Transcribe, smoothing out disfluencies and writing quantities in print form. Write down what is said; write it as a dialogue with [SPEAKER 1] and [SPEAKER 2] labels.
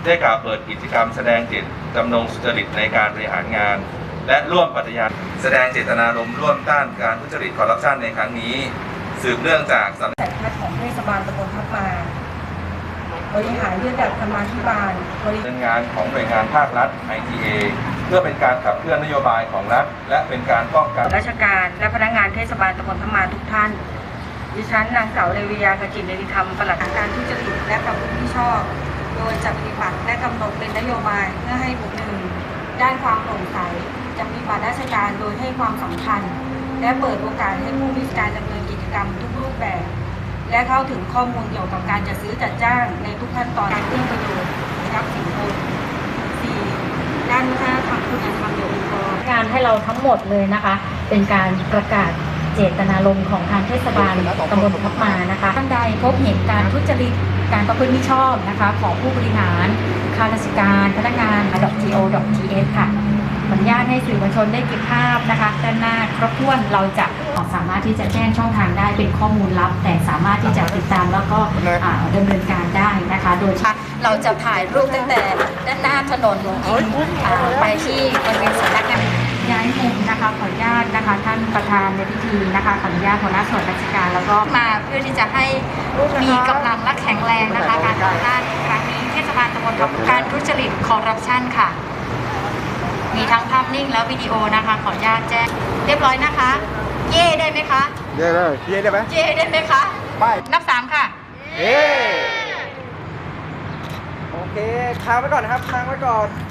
[SPEAKER 1] ได้กล่าวเปิดกิจกรรมแสดงเจตจำนงสุจริตในการบริหารงาน และร่วมปฏิญาณแสดงเจตนารมณ์ร่วมต้านการทุจริตคอร์รัปชันในครั้งนี้สืบเนื่องจากสำนักงาน
[SPEAKER 2] ของเทศบาลตำบลทับมาบริหารระดับธรรมาภิบาล
[SPEAKER 1] ดำเนินงานของหน่วยงานภาครัฐ ITA เพื่อเป็นการขับเคลื่อนนโยบายของรัฐและเป็นการป้องกัน
[SPEAKER 2] ราชการและพนักงานเทศบาลตำบลทับมาทุกท่านดิฉันนางสาวเรวิยา ขจินเนริธรรมปลัดการทุจริตและประพฤติมิชอบโดยจะปฏิบัติและกำหนดเป็นนโยบายเพื่อให้บุคคลด้านความโปร่งใสจะปฏิบัติราชการโดยให้ความสำคัญและเปิดโอกาสให้ผู้มีการดำเนินกิจกรรมทุกรูปแบบและเข้าถึงข้อมูลเกี่ยวกับการจัดซื้อจัดจ้างในทุกขั้นตอนการเอื้อประโยชน์รับสินบน 4. ด้านวัฒนธรรมคุณธรรมโยองค์กรง
[SPEAKER 3] านให้เราทั้งหมดเลยนะคะเป็นการประกาศเจตนารมณ์ของทางเทศบาลตำบลทับมานะคะท่านใดพบเห็นการทุจริตการประพฤติมิชอบนะคะของผู้บริหารข้าราชการพนักงาน .go.th ค่ะขออนุญาตให้สื่อมวลชนได้เก็บภาพนะคะด้านหน้าครบถ้วนเราจะสามารถที่จะแจ้งช่องทางได้เป็นข้อมูลลับแต่สามารถที่จะติดตามแล้วก็ดำเนินการได้นะคะโดยเราจะถ่ายรูปตั้งแต่ด้านหน้าถนนไปที่บริเวณสำนักงานย้ายมุมนะคะขออนุญาตนะคะท่านประธานในพิธีนะคะขออนุญาตหัวหน้าส่วนราชการแล้วก็มาเพื่อที่จะให้มีกำลังและแข็งแรงนะคะการต่อต้านครั้งนี้เทศบาลตำบลทับการทุจริตคอร์รัปชันค่ะมีทั้งภาพนิ่งและวิดีโอนะคะขออนุญาตแจ้งเรียบร้อยนะคะเย่ได้ไหมคะ
[SPEAKER 4] เย่เลยเย่ได้ไหม
[SPEAKER 3] เย่ได้ไหมคะ
[SPEAKER 4] ไป
[SPEAKER 3] นับ3ค่ะ
[SPEAKER 4] เย่โอเคค้างไว้ก่อนนะครับค้างไว้ก่อน